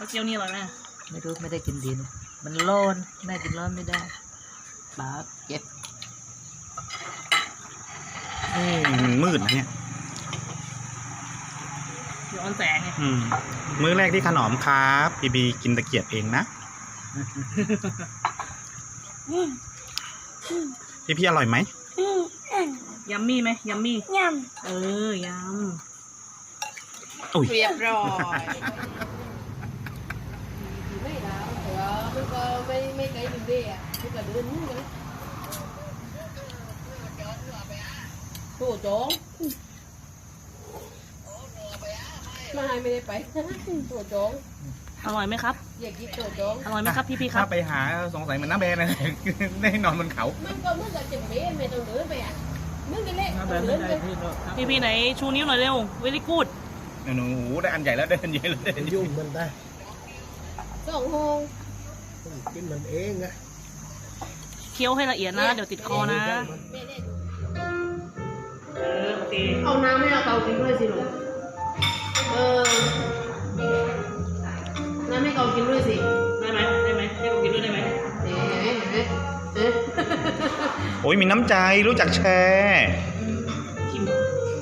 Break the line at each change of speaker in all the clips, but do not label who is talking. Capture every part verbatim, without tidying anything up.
แล้วเกี๊ยวนี่อร่อยไหม
ไม่รู้ไม่ได้กินดีนะมันร้อนแม่กินร้อนไม่ได้ปากเจ็บ
อืมมืดนะเนี่ย
ย้อนแสงไง
อืมมื้อแรกที่ขนอมครับบีบีกินตะเกียบเองนะพี่พี่อร่อยไหม
ยัมมี่ไหมยัมมี่
ย
เออยำ
อุ้ย
ำเรียบร้อยไม่แล้วแต่ว่ามันก็ไม่ไม่ไกลถึงเดียมันก็เดินนู่นกันโถโจ้งไม่ไม่ได้ไปโถโจ้ง
อร่อยไหมครับ
อยากกินโถโจ้ง
อร่อยไหมครับพี่พี่ๆครับ
ถ้าไปหาสงสัยเหมือนน้าแบนเลย ได้นอนบนเขา
มันก็มึงกับเจ็บเบ้ไม่ต้องเดินไปอ่ะมึงกันเละต้องเดินไป
พี่พี่ๆไหนชูนิ้วหน่อยเร็วเวลี่กูด
หนูได้อันใหญ่แล้วได้อันใหญ่แล้วได้อันใหญ่
ยุ่งมันได้
สองห้อง
ต้องกินมันเองนะ
เคี้ยวให้ละเอียดนะเดี๋ยวติดคอนะเออโอเค
เอาน้ำให้เอาเกากินด้วยสิลูกเออน้ำให้เกากินด้วยสิ
ได้ไหมได้ไหมให้ผมกินด้วยได้ไหม
เอ๊ะเอ๊ะเอ๊ะ
โอ้ยมีน้ำใจรู้จักแชร์
ชิม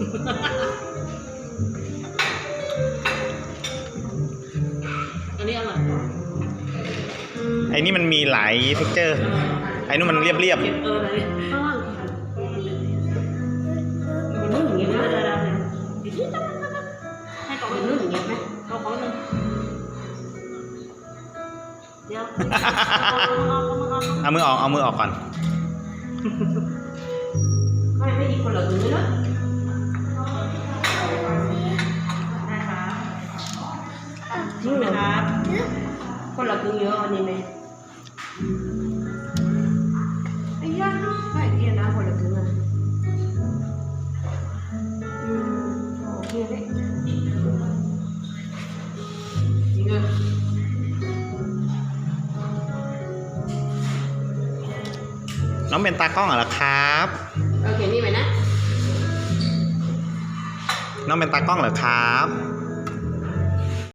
อันนี้อร่อยกว่า
ไอ้นี่มันมีหลายเท็กเจอร์ไอ้นู่นมันเรียบเรียบ
เอออะไรเนี่ยข้างล่างมันนุ่มอย่างเงี้ยนะได้ได้ได้ให้กล่องมันนุ่มอย่างเงี้ยไหมเอาของหนึ่งเดี๋ยวเอาเอาเอาเอา
เอามือออกเอามือออกก่อน
ไม่ไม่อีกคนละมือเนาะ
ได้ครับจริงไหมครับ
คนละมือเยอะอันนี้ไหมไอ้ย่าใช่ที่นะคนละมืออ่ะอืมโอเคเลยจริงอ่ะ
น้องเป็นตากล้องเหรอครับ
โอเคนี่ไหมนะ
น้องเป็นตากล้องเหรอครับ